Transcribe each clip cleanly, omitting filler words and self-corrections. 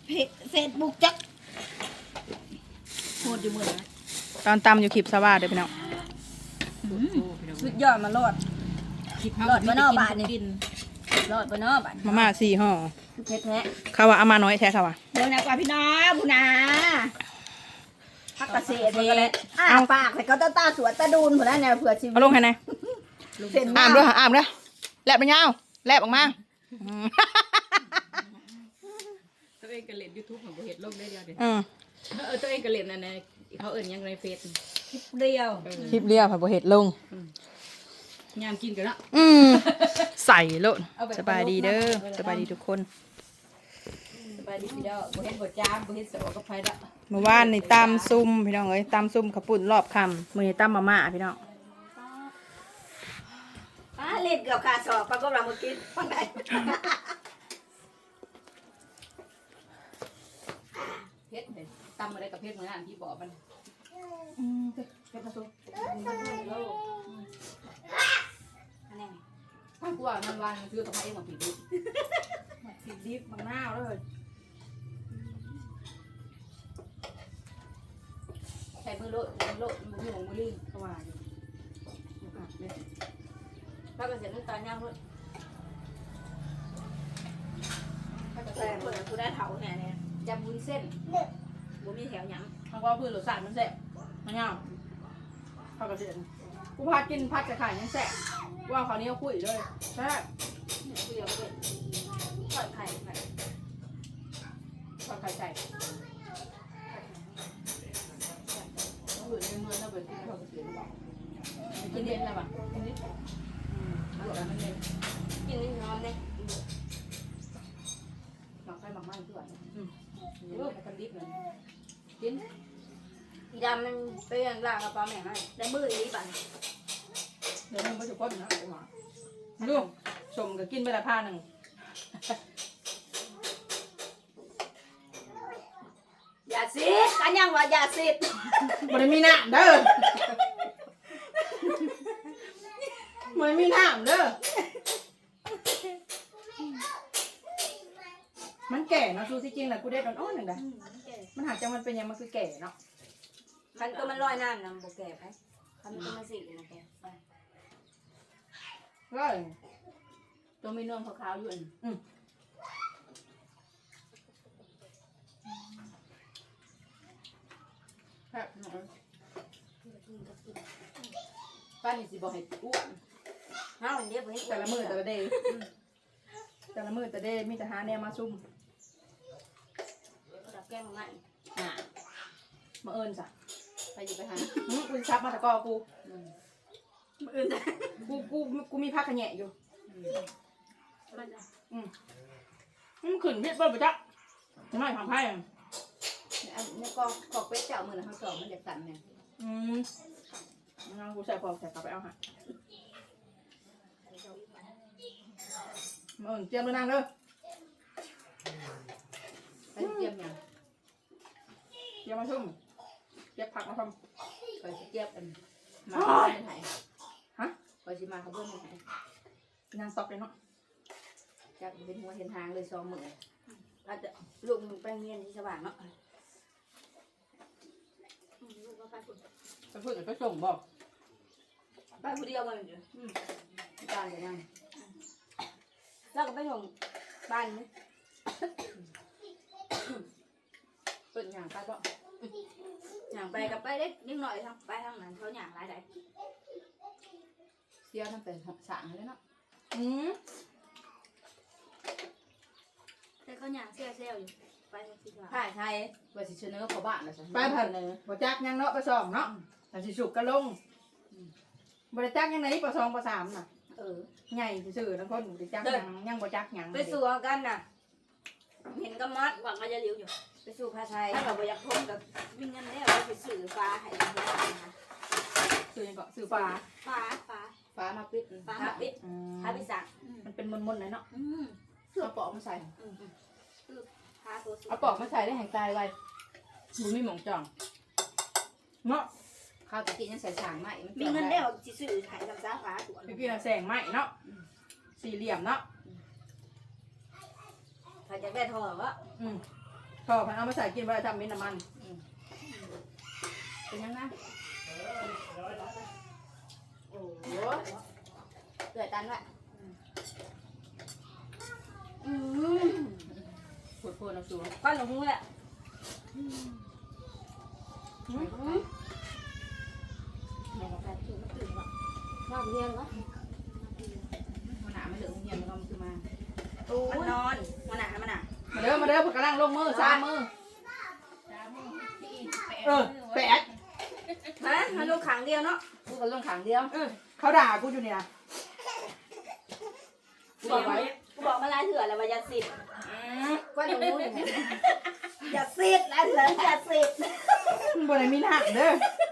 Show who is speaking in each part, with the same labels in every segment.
Speaker 1: เฟซบุ๊กจักโหดอยู่มือนะ
Speaker 2: ตอนตำอยู่คลิปสว่าเด้อพี่น้อง
Speaker 1: สุดยอดมาโลดโลดบนนอบานนี่โลดบนนอบาน
Speaker 2: มาม่า4ห่อ
Speaker 1: เพชรแท้
Speaker 2: เขาว่าเอามาน้อยแท้เขาว่า
Speaker 1: เดี๋ยวนะกว่าพี่น้องบุญาพักเกษตรมันก็เลยปากแต่ก็ตาสวนตาดูนผู้นั้นเนี่ยเผื่อชีวิต
Speaker 2: เอาลงให้ไหน
Speaker 1: เส้น
Speaker 2: อ่ามด้วยอ่ามด้วยแลบไปยาวแลบออกมา
Speaker 3: ตัวเองก็เล่น YouTube ของบ่เฮ็ดลงได้เดียวเด้
Speaker 2: ตัว
Speaker 3: เองก็เล่นนั่นน่ะเขาเอิ้นหยังในเฟซ
Speaker 1: เรียว
Speaker 2: คลิปเรียวค่ะบ่เฮ็ดลง
Speaker 3: ยามกินกันเนาะ
Speaker 2: ใส่โลดสบายดีเด้อสบายดีทุกคน
Speaker 3: สบายดีพี่น้องบ่เฮ็ดบ่จามบ่เฮ็ดเสากับไผดอก
Speaker 2: เมื่อวานนี่ตำซุ่มพี่น้องเอ้ยตำซุ่มข้าวปุ้นรอบค่ำมื้อนี้ตำมาม่าพี่น้อง
Speaker 1: เล่นเกี่ยวกับสอบปรากฏว่าเมื่อกี้ฟังได้
Speaker 3: เฮ็ดเด้ตำอะไรกับเฮ็ดมื้อนั้นที่บอกมันเฮ็ดผสมถ้ากลัวมันวานมันคือต้องให้เองมาผิดดิ
Speaker 2: ผิดดิบมังนาวเลย
Speaker 3: ใช้มือโลดมือของมือลิงเข้ามาอยู่แล้วก็เสร็จน้ำตาลย่างด้วย
Speaker 1: แต่เปิดกูได้เถาเนี่ย
Speaker 3: ยำวุ้นเส้น
Speaker 1: บุมีแถวหยัง
Speaker 2: มันก็คือรสชาติมันแซ่บมันยาวข้าวกระเทียมกูพากินผัดกระไข่ยังแซ่บว่าคราวนี้เอาคุยเลยแซ่บ
Speaker 1: เดียวเลยทอดไข่ไข่
Speaker 2: ทอดไข่ไก่ต้องอยู่ในเมืองถ้าเป็นที่เขาเกษียณบอกกินเย็นอะไรบ้างกินนิดอร่อยมันเย็น
Speaker 1: กินนิดน้อยเลย
Speaker 3: หมักไฟหมักมันด้วยเดี๋ยวมันกันดิบเลยกิน
Speaker 1: อีดำมันเป็นล่างกระเป๋าแม่ให้ได้มืออีปั่น
Speaker 2: เดี๋ยวมันก็จะก้นนะไอ้หมาดูสมก็กินไปละผ้าหนึ่ง
Speaker 1: อย่าซีดกันยังว่าอย่าซีด
Speaker 2: มันมีน้ำเด้อมันมีน้ำเด้อมันแก่เนาะซูที่จริงแหละกูได้ตอนอ้อนหนึ่งเด้อมันหากจังมันเป็นยังมันคือแก่เนาะ
Speaker 1: คันก็มันลอยน้ำนำโบแก่ไปคันก็มันสีนะแก
Speaker 2: ก็
Speaker 3: ตัวมีนวลขาวๆอยู่อัน
Speaker 2: แบบหน่อย
Speaker 3: ป้านี่สิบอกให้อ้วน
Speaker 1: ห้าวันเดียวไป
Speaker 2: แต่ละมือแต่ละเดย์แต่ละมือแต่เดย์มีแต่หาแนวมาซุ่ม
Speaker 1: แก้มง่าย
Speaker 2: มาเอิญจ้ะ
Speaker 3: ไปอยู่ไปหา
Speaker 2: กูซับมาตะกอกูกูมีผ้าขะแหน่อยู่มันขึ้นเพชรเบิ้ลไปจ้ะไม่ทำไพ่
Speaker 3: อันนี้กอกเป็ดเจ้ามือนะเขาสอบมันจะสั่นเนี่ย
Speaker 2: งั้นกูใส่พอใส่กลับไปเอาหะมาเอิญเตรียมเลยนางเด้อ
Speaker 3: ไปเตรียมอย่าง
Speaker 2: เตรียมมาซุ่มเก็บผักมาท
Speaker 3: ไปเตรียมกันมาเพื่อนไหน
Speaker 2: ำฮะ
Speaker 3: ไปสิมาเขาเพื่อนไหน
Speaker 2: นางซอกเลยเนาะ
Speaker 3: จากเป็นหัวเห็นทางเลย2 มื้อ
Speaker 1: อาจจะลูกมึงไปเรียนที่สว่างเนาะ
Speaker 2: ไปพูดกับไปส่งบอก
Speaker 1: ไปผู้เดียวมันอยู่
Speaker 3: บ้านจะนั่ง
Speaker 1: แล้วก็ไปส่งบ้านนี่
Speaker 3: เปิดอย่างไปบ่
Speaker 1: อย่างไปกับไปเล็กนิดหน่อยทางไปทางนั้นเขาอย่างไรได้
Speaker 3: เสียตั้งแต่สางเลยเนาะ
Speaker 1: แต่เขาอย่างเซลอยู่ไปทางที่ว่า
Speaker 3: ถ่ายไทยว่าสิเสนอเขาบ้านนะสิ
Speaker 2: ไปผัดบ่จักยังเนาะไปส่องเนาะแต่สิสุกก็ลงบ่ได้จักยังไหนป2ป3น่ะใหญ่ซื่อๆทั้งคนบ่ได้จักยังบ่จักยัง
Speaker 1: ไปสู่กันน่ะเห็นก็มัดหวังก็จะเลี้ยวอยู่ไปสู่ภาไทยถ้าเราไปอยากพบกับวิ่งกันแล้วไปสื่อฟ้าให้ดูนะ
Speaker 2: ซื้อยังก็ซื้อฟ้า
Speaker 1: ฟ้า
Speaker 3: ฟ้ามาปิด
Speaker 1: ฟ้ามาปิดฟ้าพิสัก
Speaker 2: มันเป็นมนๆเลยเนาะ
Speaker 3: เอาปอกมาใส่
Speaker 1: ฟ้าตัวสูง
Speaker 3: เอาปอกมาใส่ได้แห่งตายไว้บุมีหมองจ่อง
Speaker 2: เนาะ
Speaker 3: ข้าวตะกี้ยังใส่สางไหมมัน
Speaker 1: มีเงินแล้วจิสื่อถ่ายทำฟ้าฟ้าตัว
Speaker 2: พี่พี่น่ะแสงไหมเนาะสี่เหลี่ยมเนาะ
Speaker 1: ถ้าจะได้ทองก็
Speaker 2: ก็พันเอามาใส่กินไว้ทำเป็นน้ำมัน
Speaker 3: เป็นยังไง
Speaker 1: โอ้โหเกิดตันละ
Speaker 3: ปวดเอาสูง
Speaker 1: ก้อนหลงหูเลยแม่ก็แบบตื่นมาตื่นว่ะนอกเรียนวะ
Speaker 3: มันหนาไม่เหลือเงียบมันก็คือมา
Speaker 1: มันนอนมันหนามันหนา
Speaker 2: มาเด้อมาเด้อพวกกำลังลงมือซ้ำมือแปด
Speaker 1: ฮะมันลูกขังเดียวเนาะ
Speaker 3: พูดกันลงขังเดียว
Speaker 2: เขาด่ากูอยู่เนี่ย
Speaker 1: กูบอกมาลายเถื่อนแล้วว่าอย่าสิทธิ์ก้อนหลงหูอย่างนี้อย่าสิทธิ์แล้วเหรออย่าสิทธิ์
Speaker 2: บนไหนมีหนักเด้อ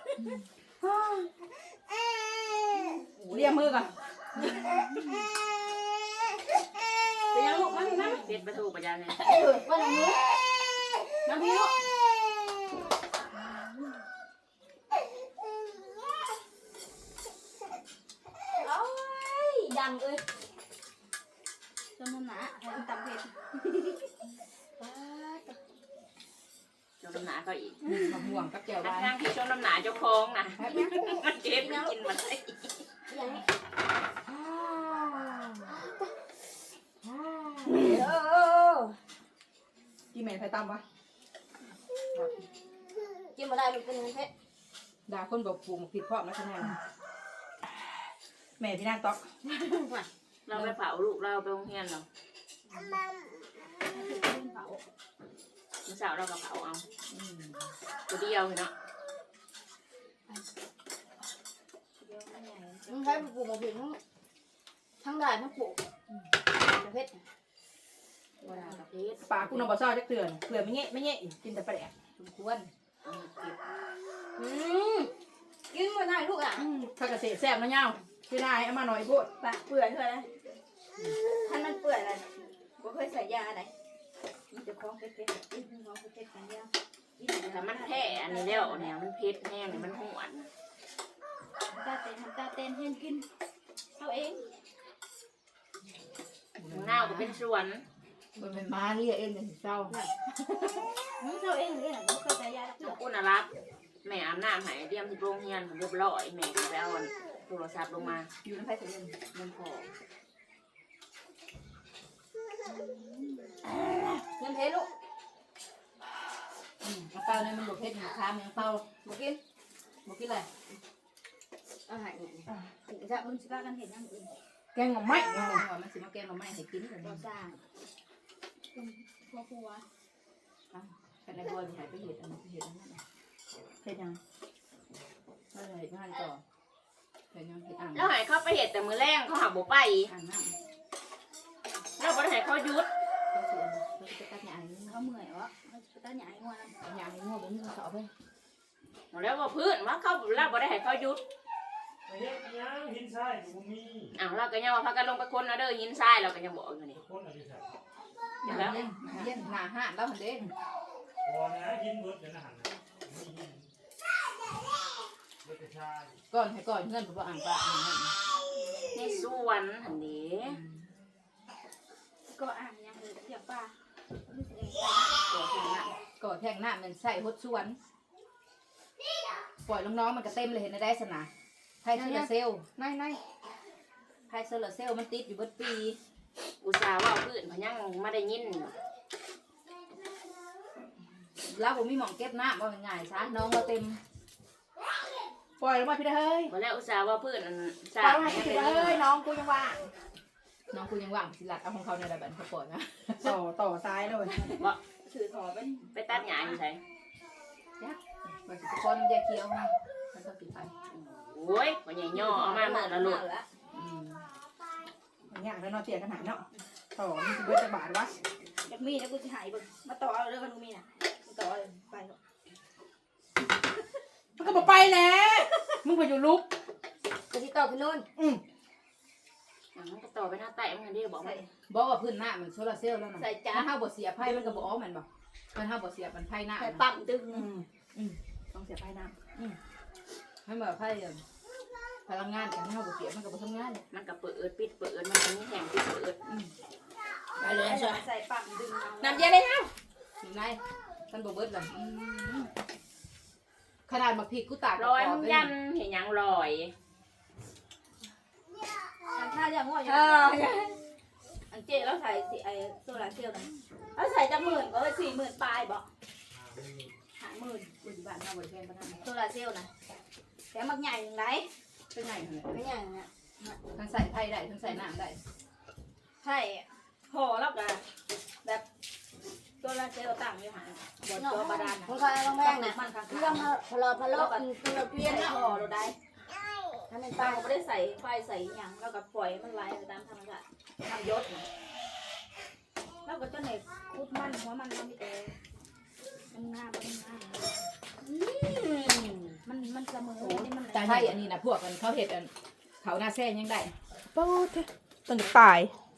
Speaker 2: เรียกมือก่อน
Speaker 1: ไปยังลูกมาพี่มา
Speaker 3: เสร็จประตูประยันเนี่ย
Speaker 1: ก้อนหลงหูน้ำพี่ลูกดังเอ้ยจนมันหนาให้มันตำเผ็ด
Speaker 3: จนน้ำหนาก็อีก
Speaker 2: มาห่วงกับแก้ว
Speaker 3: ทั้
Speaker 2: บ้าน
Speaker 3: งที่จนน้ำหนาเจ้าของนะมันเจ็บมันกินมันได้
Speaker 1: ยังไง
Speaker 2: กินแม่ไฟตำวะ
Speaker 1: กินมาได้ลูกเป็นเงินเพชร
Speaker 2: ด่าคนบอกปลูกผิดเพราะนะคะแนนแม่พี่นางต๊อก
Speaker 3: เราไปเผาลูกเราไปโรงเรียนเราเมื่อเช้าเราก็เผาเอาตัวเดียวเนาะ
Speaker 1: มึงใช้ปลูกมาผิดทั้งได้ทั้งปลูกเพชร
Speaker 3: เวลากับเพชร
Speaker 2: ปลากูนำบ่อซ้อจักเตือนเกลือไม่เงี้ยไม่เงี้ยกินแต่ปลาแดก
Speaker 3: สมควรเก็บ
Speaker 1: กินมาได้ลูกอ่ะ
Speaker 2: ถ้าเกษตรแซ่บนะเงาพี่นายเอามาหน่อยพูด
Speaker 1: ปากเปื่อยเท่าไรท่านมันเปื่อยอะไรบ่เคยใส่ยาอะไรมันจะคล้องเพชรคล้องเพชรกันเดียว
Speaker 3: แต่มันแท้อันนี้แล้วเนี่ยมันเพชรแห้งเนี่ยมันหวาน
Speaker 1: ตาเต้นเห็นกินเขาเอง
Speaker 3: เงาก็เป็นสวน
Speaker 2: มันเป็นม้าเรียกเองอย่างเศร้า
Speaker 1: เขาเองเลยนะบ่เคยใส่ยา
Speaker 3: ขอบคุณนะรับแม่อาบน้ำหายเตรียมที่โรงเรียนเรียบร้อยแม่ก็ไปเอาโทรศัพท์ลงมา
Speaker 1: อยู่น้ำไผ่ถึง
Speaker 3: มันพอ
Speaker 1: เงินเพชรลูก
Speaker 3: เป้าเนี่ยมันบวกเพชรหนึ่งค้ามันเป้า
Speaker 1: บ่กิน
Speaker 3: บวกกี่ไร
Speaker 1: อาหารถึงจะมึงสิพากันเห็นอย่างอื่น
Speaker 2: แกงหน่อไม้
Speaker 3: ว่ามันสิมาแกงมาไม่ให้กินเลย
Speaker 1: บ่สร้างเป็นครัว
Speaker 3: กันในบัวมีหายไปเห็ดอันนี้เห็ดอันนั้น
Speaker 2: เฮ็ดยัง
Speaker 3: ก็เลยงานต่อเห็ดยังเห็ดอ่างแล้วหายเข้าไปเห็ดแต่มือแรงเขาหาบ่ไป
Speaker 1: อ่างน้ำ
Speaker 3: แล้วบ่ได้หายเขายุด
Speaker 1: เขาเสือเขาจะตัดใหญ่เขาเมื่อยวะเขาจะตัดใหญ่งัวนะ
Speaker 3: ใหญ่งัวเป็นมือสอบเลยแล้วว่าพื้นว่าเขาแล้วบ่ได้หายเขายุด
Speaker 4: เฮ็ดยังหินทรายอยู่มี
Speaker 3: อ้าวเราก็ยังว่าพากันลงไปคนเอาเด้อหินทรายเราก็ยังบอกอยู่นี่
Speaker 4: คนอะไรใส่
Speaker 3: อย่างแล้ว
Speaker 2: เย็นหน้าห้านแล้วหันเด้ง
Speaker 4: พอนะหินเบิดเดี๋ยวนะหันนะมีหินเบิดกระชาย
Speaker 2: ก่อนให้ก่อนเงื่อนผมบอกอ่างปลา
Speaker 3: ในสวนอันนี้
Speaker 1: ก็อ่างยังเลยเทียบป้า
Speaker 3: ตัวแข็งน่ะ
Speaker 2: ก่อแทงหน้ามันใส่หดสวนปล่อยน้องๆมันก็เต็มเลยเห็นได้สนะไพ่โซลาเซลล์ไนไพ่โซลาเซลล์มันติดอยู่เบิดปี
Speaker 3: อุตส่าห์ว่าพื้นพยังไม่ได้ยิน
Speaker 2: แล้วผมมีหมองเก็บน้ำว่าง่ายซะน้องมาเต็มปล่อยลงมาพี่เฮ้ย
Speaker 3: วันแรกอุตส่าห์ว่าพื้นอัน
Speaker 2: ปล่อยลงมาพี่เฮ้ยน้องกูยังว่างน้องกูยังว่างสิลัดเอาของเขาในระเบิดเขาปล่อยนะต่อซ้ายเลย
Speaker 1: ถือถอไป
Speaker 3: ไปตัดหญ้าอยู่ไส
Speaker 2: มันจะคนแยกเคี้ยวมันต้องติดไป
Speaker 3: โอ้ยวันใหญ่ย่อเอามาเมื่อละลูก
Speaker 2: อย่างเงี้ยแล้วนอนเตียงกันหายเนาะต่อมันจะเบิดจะบาดวะ
Speaker 1: อยากมีนะกูจะหายบึงมาต่อเอาเรื่องกันกูมีน่ะต่อเลยไป
Speaker 2: มันก็บอกไปแล้วมึงไปอยู่ลุก
Speaker 1: กูจะต่อขึ้นนู่น
Speaker 3: มันก็ต่อไปหน้าใต้มันได้บอกไหม
Speaker 2: บอกว่าพื้นหน้ามันโซลาเซลล์แล้วนะ
Speaker 1: ใส่จ้า
Speaker 2: ถ้าห้าบทเสียไพ่มันก็บอกอ๋อมันบอกมันห้าบทเสียมันไพ่หน้า
Speaker 1: ใส่ปั๊มดึง
Speaker 2: ต้องเสียไพ่หน้าให้แบบไพ่พลังงานกันห้าบทเสียมันก็บททำงาน
Speaker 3: มันก็เปิดปิดเปิดมันมีแห่งปิดเปิด
Speaker 2: ไปเลย
Speaker 1: ใส่ปั๊มดึง
Speaker 2: น้ำเย็นเลยฮะอยู่ใน
Speaker 1: เ
Speaker 3: มันบ่เบิดเลยขนาดบักพริกกูตาก
Speaker 1: ลอยมึงยันเห็นยังลอยทำท่าอย่างง่อยอันเจ๊แล้วใส่สิไอโซลาเซลล์นะแล้วใส่จะ10,000ก็เลย40,000ปลายบอก50,000
Speaker 3: ปัจจุบันเราบริเวณประทาน
Speaker 1: โซลาเซลล์นะแต่มักใหญ่อย่างไร
Speaker 3: เป็นไงเหรอ
Speaker 1: ไม่ใหญ่เนี่ย
Speaker 3: ทั้งใส่ไผ่ได้ทั้งใส่น้ำได้
Speaker 1: ใช่ห่อแล้วกันแบบโซลาเซลล์ตั้งอยู่หางบนตัวบาดาลนะ
Speaker 5: ของใครต้องแม่งนะ
Speaker 1: มันข้างๆ
Speaker 5: เรื่องพะโล้ตัวเปลี่ยน
Speaker 1: ห่อเราได้ถ้าเป็นป้าไม่ได้ใส่ไฟใส่อย่างแล้วก็ปล่อยมันไหลไปตามธรรมชาติทำยศนะแล้วก็จะไหนคุดมันหัวมันไม่แต่มันง่ายมันเสมอนี่มัน
Speaker 3: แต่ไผ่อันนี้นะพวกมันเขาเห็ดอันเขาหน้าแซ่ยังได้
Speaker 2: ปูเถอะต้นตาย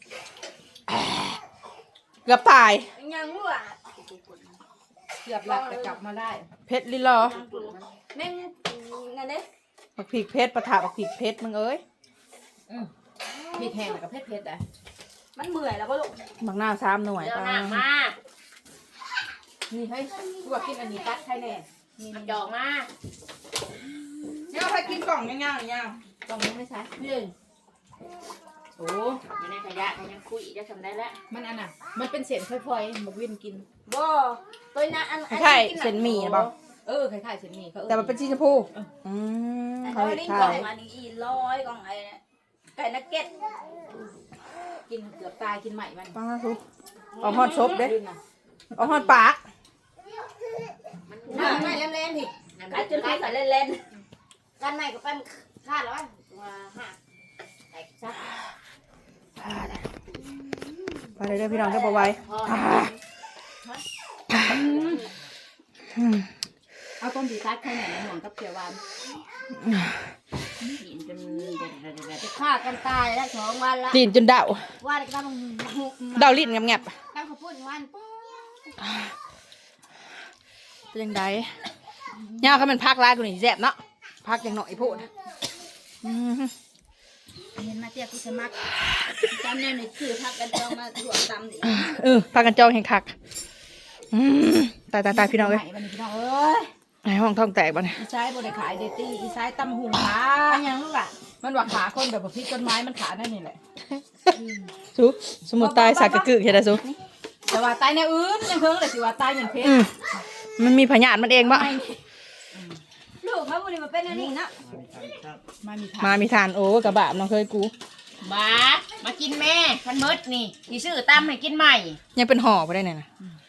Speaker 2: เกือบตาย
Speaker 1: ยังรู้อ่ะ
Speaker 3: เกือบหลับแต่กลับมาได้
Speaker 2: เพชรลิลอ
Speaker 1: แม่งนั่นเด้
Speaker 2: บักพริกเพชรปะถาบักพริกเพชรมึงเอ้ย
Speaker 3: พริกแห้งกับเผ็ดๆอ่ะ
Speaker 1: มันเมื่อยแล้วก็ลูก
Speaker 2: บักหน้า3 หน่วย
Speaker 1: เดี๋ยว
Speaker 2: ปะ
Speaker 1: หนักมาก
Speaker 3: นี่ให้พวกกินอันนี้ตัดให้แน่นี่
Speaker 1: ดอกมาก
Speaker 2: เนี่ยเอาไปกินกล่องย่างๆย่าง
Speaker 3: ตรงนี้ไม่ใช่นี่โอ้
Speaker 1: อยู่ในขยะยังคุยจะทำได้แล้ว
Speaker 3: มันอันน่ะมันเป็นเศษค่อยๆบักวินกิน
Speaker 1: บ่ตัวนั้นอัน
Speaker 2: ใช่เส้นหมี่นะบ่
Speaker 3: คล้ายๆเส้นหมี่เขา
Speaker 2: แต่มันเป็นสีชมพูเขา
Speaker 1: เขา
Speaker 2: เห็ด
Speaker 1: ลิ้น
Speaker 2: ขา
Speaker 1: กล่อย งอันนี้100กล่องไอ้ไก่นักเก็ต
Speaker 3: กินเกือบตายกินใหม่มัน
Speaker 2: ป้าทุกเอาฮอดซบเด้เอาฮอดปาก
Speaker 5: ไม่เล่นๆผิด
Speaker 1: กัดจนให้ใส่เล่น
Speaker 5: กันไหนก็ไปคาดแล้วว่าหักแตกซัก
Speaker 2: ไปเลยเด้อพี่น้องเด้อบ่ไหว้
Speaker 3: เอาต้มดีซัดให้หน่อยหน่วงกับเขียวหวาน
Speaker 1: ๆกินจน
Speaker 5: จะฆ่ากันตายแล้ว2 วันละ
Speaker 2: ลิ้นจนเดา
Speaker 5: ว่าจะต้อง
Speaker 2: เดาลิ้นงับ
Speaker 5: ตั้งข้าวปุ้นวันปุ๊บ
Speaker 2: ๆเป็นยังไงย่าเขาเป็นพักร้ายกูนี่แซ่บเนาะพักอย่างหน่อยโพูด
Speaker 1: เห็นมาเตี้ยกูจะมักจำแนวในคือพักกันจองมาถ่วงตำดิ
Speaker 2: พากันจองแห่งคักตายพี่น้องเอ้ย
Speaker 3: วันนี้พี่น้องเอ้ย
Speaker 2: ไอห้องท้องแตกบ่เนี่ย
Speaker 3: อีซ้ายบริขายเดตี้อีซ้ายตำหุงขา
Speaker 5: อันยังลูกอ่ะ
Speaker 3: มันว่าขาคนแบบพริกต้นไม้มันขานั่นนี่แหละ
Speaker 2: สุสมุนตายสากกะกึกเฮ็ดได้สุ
Speaker 3: แต่ว่าตายแนวอื่นยังเพิ่งเลยสิว่าตายอย่างเพชร
Speaker 2: มันมีพยาธิมันเองบ่
Speaker 1: ลูกเขาบุรีมาเป็นอันนี้นะ
Speaker 2: มามีทานโอ้กระบะน้องเคยกู
Speaker 5: มากินแม่คันมดนี่ที่ซื้อตำให้กินใหม่
Speaker 2: ยังเป็นห่อบ่ได้เนี่ยนะ
Speaker 5: เ